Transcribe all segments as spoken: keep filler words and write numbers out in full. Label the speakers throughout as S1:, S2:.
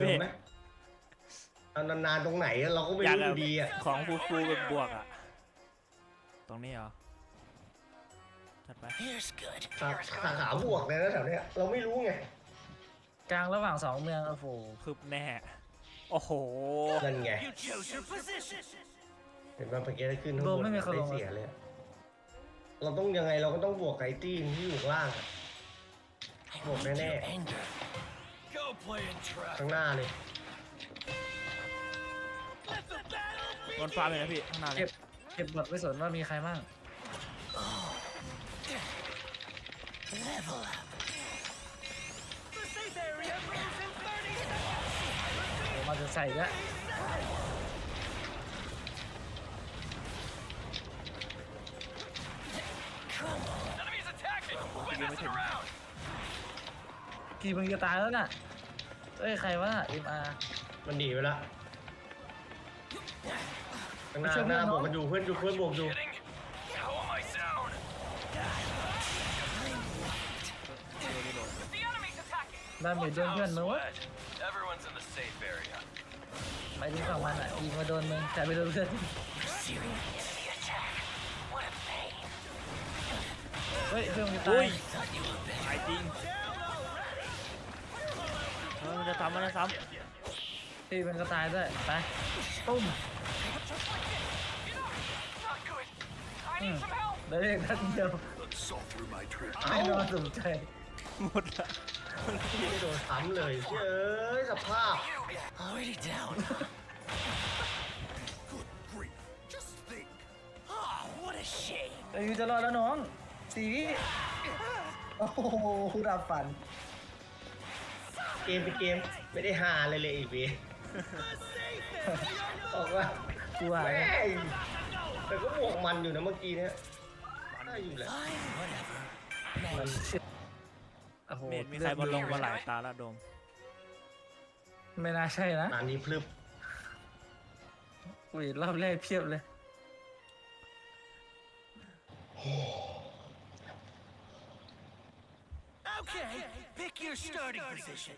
S1: เห็นไหมนานๆตรงไหนเราก็ไม่รู้อยู่ดีอ่ะ
S2: ของฟูฟูเป็นบวกอ่ะตรงนี้เหรอถัดไป
S1: สาขาบวกเลยนะแถวเนี้ยเราไม่รู้ไง
S3: กลางระหว่างสองเมืองโอ้โห
S2: คืบแน่โอ้โห
S1: นั่นไงเห็นว่าเมื่อกี้ได้ขึ้นข้างบนไม่เสียเลยเราต้องยังไงเราก็ต้องบวกไก่ตี้ที่อยู่ล่างบวกแน่ๆข้างหน้าเลย
S2: บนฟ้าเลยนะพี่ข้างหน้าเลย
S3: เก็บเก็บบทไว้สนว่ามีใครบ้างโอ้มาจะใส่ละกี่มึงจะตายแล้วน่ะเอ้ยใครวะเอ็มอาร์
S1: มันหนีไปละข้างหน้าหน้าบวกกันอยู่เพื่อนอยู่เพื่อนบวกอยู่
S3: ดาเมจโดนเพื่อนมึงวะไม่ถึงฝั่งมันอ่ะยิงมาโดนมึงแต่ไม่โดนเพื่อนเฮ้ยเพื่อนมึงจะตาย
S2: ตายจริงเออมันจะซ้ำมันจะซ้
S3: ำตีมันก็ตายด้วยไปตุ้มได้เองนัดเดียวไม่โดนสนใจ
S2: หมดละ
S1: ไม่โดนซ้ำเลยเฮ้ยสภาพ
S3: ไอ้ยูจะรอดแล้วน้องสี่วิโอ้โหดับฝัน
S1: เกมเป็นเกมไม่ได้หาเลยเลยอีกวีบอกว่า
S3: กูหาย
S1: แต่ก็บวกมันอยู่นะเมื่อกี้เนี้ยได้อยู่แหละ
S2: เมดมีใครบอลลงมาหลายตาละโดม
S3: ไม่น่าใช่นะ
S1: ตอนนี้พลึบ
S3: อุ้ยรอบแรกเพียบเลย
S4: Okay, pick your starting position.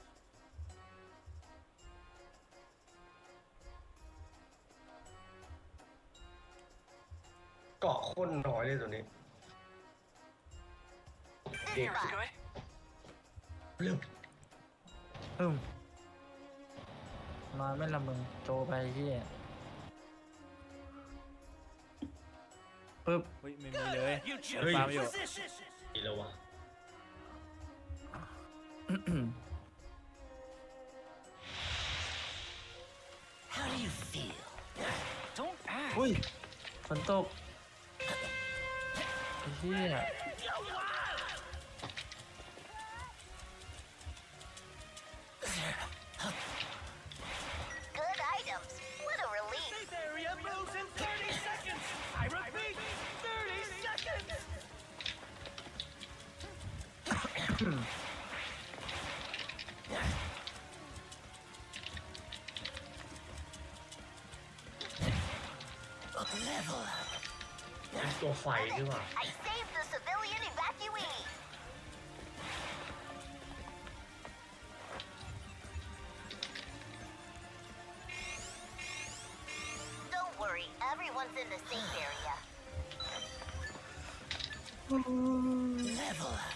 S1: เกาะข้นน้อยเลยตัวนี้เด็กพลึบ
S3: อืมมาไม่ละมึงโจไปที่ปึ๊บ
S2: เฮ้ยไม่มีเลย
S1: เฮ้ย
S2: ฟาร์มอยู่
S1: ดีแล้ววะ
S3: อุ้ยฝนตกไอ้เหี้ย
S4: Good items. What a relief. Safe area moves in thirty seconds. I repeat, thirty seconds. Level up.
S1: เป็นตัวไฟด้วยว่ะ
S4: I saved the civilian evacuee. Don't worry, everyone's in the safe area. Level up.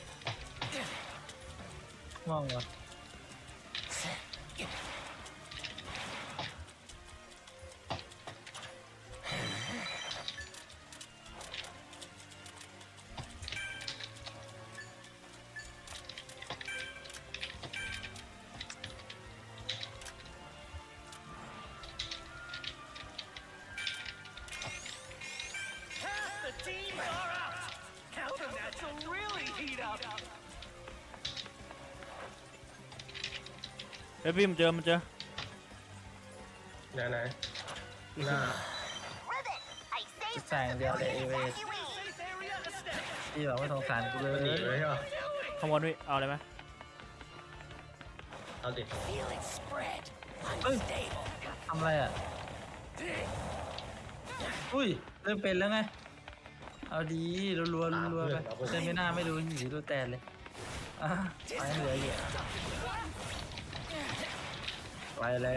S3: มองเหรอ
S4: The teams are out. Counter match will really heat up.
S2: เฮ้ยพี่มันเจอมันเจอ
S1: ไหนไหนหน้า
S3: แสงเดียวเลยเอเวสที่บอกว่าสงสารกูเลย
S1: หนีเลยใช่ป่ะ
S2: ขโมยพี่เอาเลยไหม
S1: เอาดิ
S3: เฮ้ยทำอะไรอ่ะอุ้ยเริ่มเป็นแล้วไงเอาดีรัวๆรัวๆไปเซไม่น่าไม่รู้อยู่ที่รูแตนเลยอ่ะไปเหลืออยู่แล้ว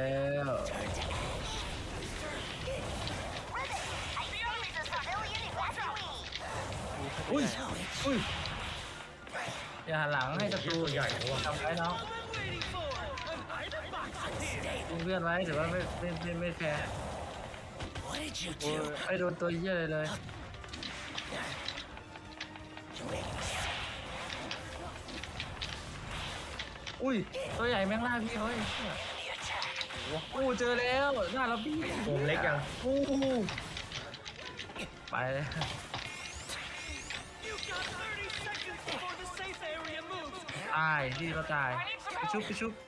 S4: Ribbit, I think there's a civilian evacuee.
S3: อุ้ยอุ้ยอย่าหันหลังให้ศัตรู
S1: ตัวใหญ่นะวะ
S3: ทำไว้น้อง
S4: All I'm waiting for. An item box here.
S3: ยิงเพื่อนไว้ถือว่าไม่ไม่ไม่ไม่แฟร์
S5: What did you
S3: โอ้ย
S5: do?
S3: ไอ้โดนตัวเหี้ยเลยเลย อุ้ยตัวใหญ่แม่งล่าพี่เฮ้ยโอ้เจอแล้วหน้าเราพี่
S1: วงเล็กยัง
S3: โอ้ไปเลย
S4: You've got thirty seconds before the safe area moves.
S3: ตายพี่ก็ตายไปชุบไปชุบ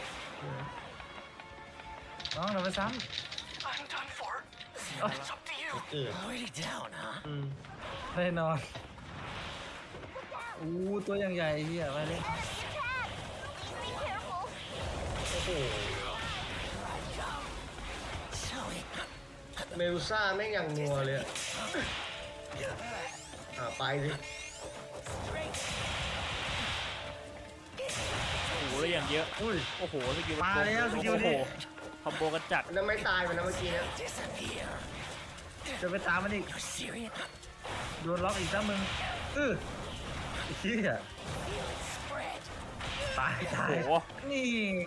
S3: น้องเราไปซ้
S5: I'm done for. It's up to you.
S1: เกิด
S5: Already down, huh?
S1: อืม
S3: ำแน่นอนอู้ตัวอย่างใหญ่เฮียไปเลย
S4: Enemy attack. Be careful.
S1: โอ้โห
S5: Sorry.
S1: เมลซ่าแม่งอย่างนัวเลยอะอ่ะไปสิ
S2: โอ้โหแล้วอย่างเยอะ
S3: อุ้ย
S2: โอ้โหสกิล
S3: มาแล้วสกิลนี้
S2: โอ้โหคอมโบกันจัด
S1: มันไม่ตายมันนะเมื่อกี้เนะ
S5: Disappear.
S3: จะไปตามมันอีก
S5: You're serious?
S3: โดนล็อกอีกซ้ำมึงเออเฮีย
S5: Spread.
S3: ตายตาย
S2: โอ้โห
S3: นี่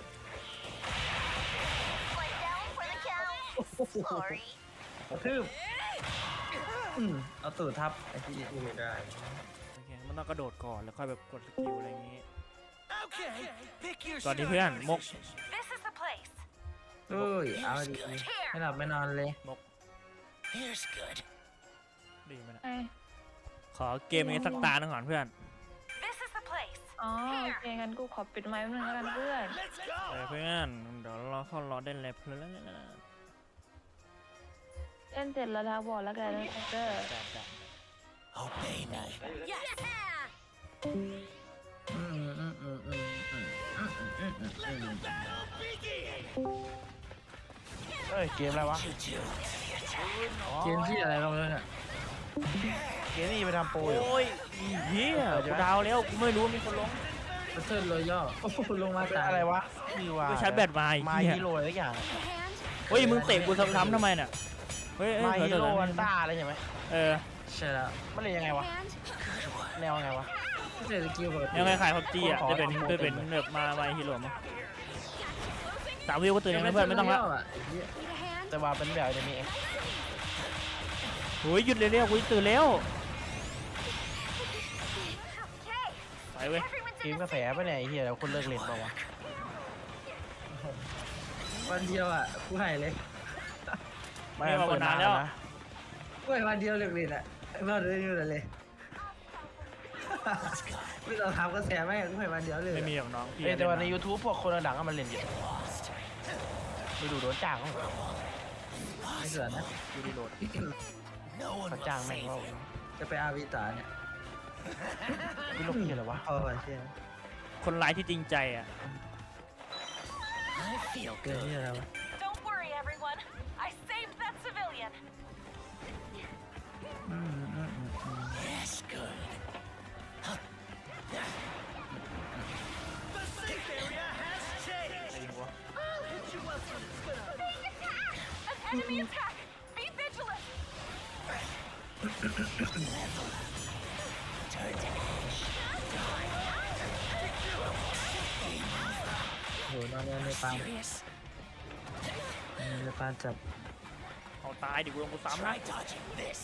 S4: Play down for the count. Sorry.
S3: กระทืบอืมเอาตูดทับไอ้ที่
S1: ยิงไม่ได้
S2: โอเคมันต้องกระโดดก่อนแล้วค่อยแบบกดสกิลอะไรอย่างงี้
S4: Okay. Pick your
S2: ตอนนี้เพื่อนมก
S4: This is the place.
S3: เอ้ยเอาดีไม่หลับไม่นอนเลย
S2: มก
S5: Here's good.
S2: ดีไหมนะ
S6: ไอ้
S2: ขอเกมนี้สักตาหนึ่งก่อนเพื่อน
S4: This is the place.
S6: อ๋อโอเคงั้นกูขอปิดไมค์แป๊บนึงแล้วกันเพื่อน
S4: Let's
S2: เออ
S4: go.
S2: เพื่อนเดี๋ยวเราเข้ารอได้เลยเพื่อน
S6: เล่นเสร็จแล้วนะบอกแล้วกันนะเด้อ
S2: แต่แต่
S5: Obey me.
S4: Yes.
S3: อืมอืมอืมอืมอืมอืมอืมอืมอืม
S4: Battle begin.
S7: เอ้ย เกมอะไรวะ
S5: You two.
S3: เกมที่อะไรลงเลยเนี่ย
S7: เกมนี่ไปทำโปรอยู่
S2: โอ้ยเฮียกูดาวแล้วกูไม่รู้ว่ามีคนลง
S3: บัตเทิลรอยัลโอ้โหลงมา
S7: เป็น
S3: ตาย
S7: อะไรวะคือว่า
S2: กูชาร์จแบตมา
S7: มา
S2: ไอ้เฮีย
S7: ฮีโร่อะไรสักอย่าง
S2: เฮ้ยมึงเตะกูซ้ำๆทำไมเนี่ยเฮ้ยเอ้ย
S7: มา
S2: เฮ้ย
S7: ฮีโร่
S2: เดี๋ยว
S7: วัน
S2: นะ
S7: ต้าอะไรใช่ไหม
S2: เออ
S3: ใช่แล้ว
S7: มันเล่นยังไงวะ แนวยังไงวะ
S3: เศรษฐกิจปกติ
S2: ยังไงขายพับจีอ่ะ
S7: ขอ
S2: จะเป็น
S7: ขอ
S2: จะเป็น
S7: ขอ
S2: แบบมามาฮีโร่มั้งสามวิวก็ตื่นยังไงเพื่อนไม่ต้องละ
S7: แต่ว่าเป็นแบบจะมีเอง
S2: โอ้ยหยุดเร็วๆกูตื่นแล้ว
S4: Okay.
S2: ไปเว้ย
S4: Everyone's
S7: เก
S4: in
S7: ม
S4: the
S7: กาแฟปะเนี่ยไอ้เหี้ยแล้วคนเลิกเล่นเปล่าวะ
S3: วันเดียวอ่ะกูให้เลย
S7: ไม่มันเปิดนานแล้วนะ
S3: กูให้วันเดียวเลิกเล่นอ่ะไม่เอาเลยอยู่เลยไม่ต้องทำก็แสบแม่งกูให้วันเดียวเลย
S2: ไม่มีหรอกน้องพี่
S7: เอ้ยแต่ว่าใน
S2: เล่น
S7: YouTube พวกคนดังๆก็มันเล่นเยอะไปดูโดนจ้างเขา
S3: ไม่เสือนะ
S2: ดูดีโหลด
S5: No one
S7: เขา
S5: will
S7: จ้างแม่ง
S5: save
S7: ว่า
S5: you.
S3: จะไปอาวิตาเนี่ย
S7: พี่ลูกเหี้ยอะไรวะ
S3: พอก่อนเชี่ย
S2: คนร้ายที่จริงใจอ่ะ
S5: I feel
S3: เกิน
S5: good.
S3: ที่อะไรวะ
S4: Don't worry, everyone. I saved that civilian.
S3: อืมอืมอืมอืม
S5: Yes, good.
S4: The safe area has changed. I'll hit you once when it's been up. Being attacked! An enemy attack! Be vigilant!
S5: Turn to ash.
S3: โหนอนในปาน
S5: Serious?
S3: ในปานจับ
S2: เอาตายดิกูลงกูซ้ำนะ
S5: Try dodging this.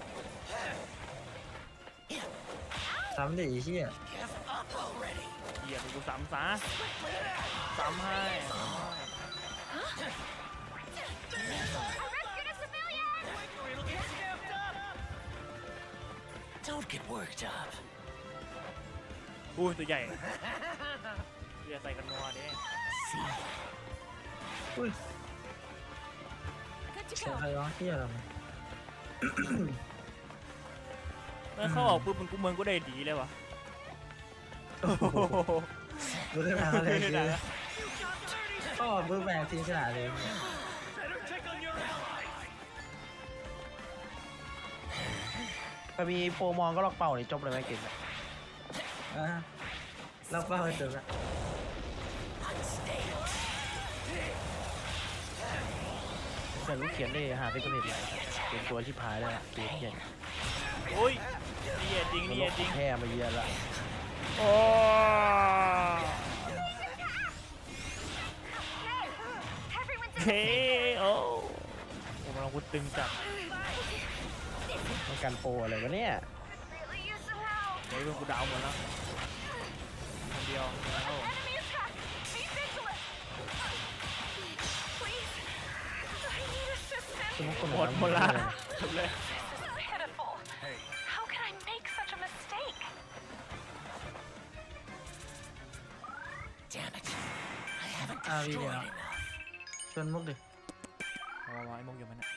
S3: ซ้ำดิไอ้เชี่ย
S5: Give up already.
S2: เหี้ยกูซ้ำซะซ้ำให้
S4: I rescued a civilian! It'll get stamped up!
S5: Don't get worked up.
S2: อุ้ยตัวใหญ่เรียใส่กันนัวดิ
S5: See,
S3: อุ้ย
S4: Good to
S3: เสียงใครร้องเชี่ยอะไรมา
S2: เมื่อเข้าออกปุ๊บมันกูเมืองกูได้ดีเลยวะ
S3: รู้ได้ไหมอะไร
S2: ไม่
S3: คือ
S2: ได้ละ
S3: ก็เบิร์กแบงทีมชนะเลย
S4: better check on your allies!
S7: ถ้ามีโปรมองก็ล็อกเป่านี่จบเลยไหมเก่งอะ
S3: อ่ะเราเป้าไปจบละ
S5: unstable.
S7: แต่ลูกเขียนได้หาเป็นคนอื่นเลยเป็นตัวที่พายแล้วเขียนเขียน
S2: โอ้ยนี่เอจริง
S7: มัน
S2: นี่
S7: ล
S2: เอบ จริง
S7: แพ้มาเยอะละ
S2: โอ้
S4: Everyone's
S2: เฮ้โอ้โอ้มันอาวุธตึงจัด
S7: ต้องการโปรอะไรวะเนี่ย
S4: really use some help.
S2: เฮ้ยเพื่อนกูดาวหมดแล้วคนเดียวแล้ว
S4: Enemy attack. Be vigilant. Please. I need assistance.
S7: สมมติคน
S2: หมดหมดละจบเลย
S4: This is pitiful. How can I make such a mistake?
S5: Damn it. I haven't
S3: อาวีเดียว
S5: destroyed enough.
S3: ชวนมุกดิ
S2: เอาไว้มุกอยู่มันเนี่ย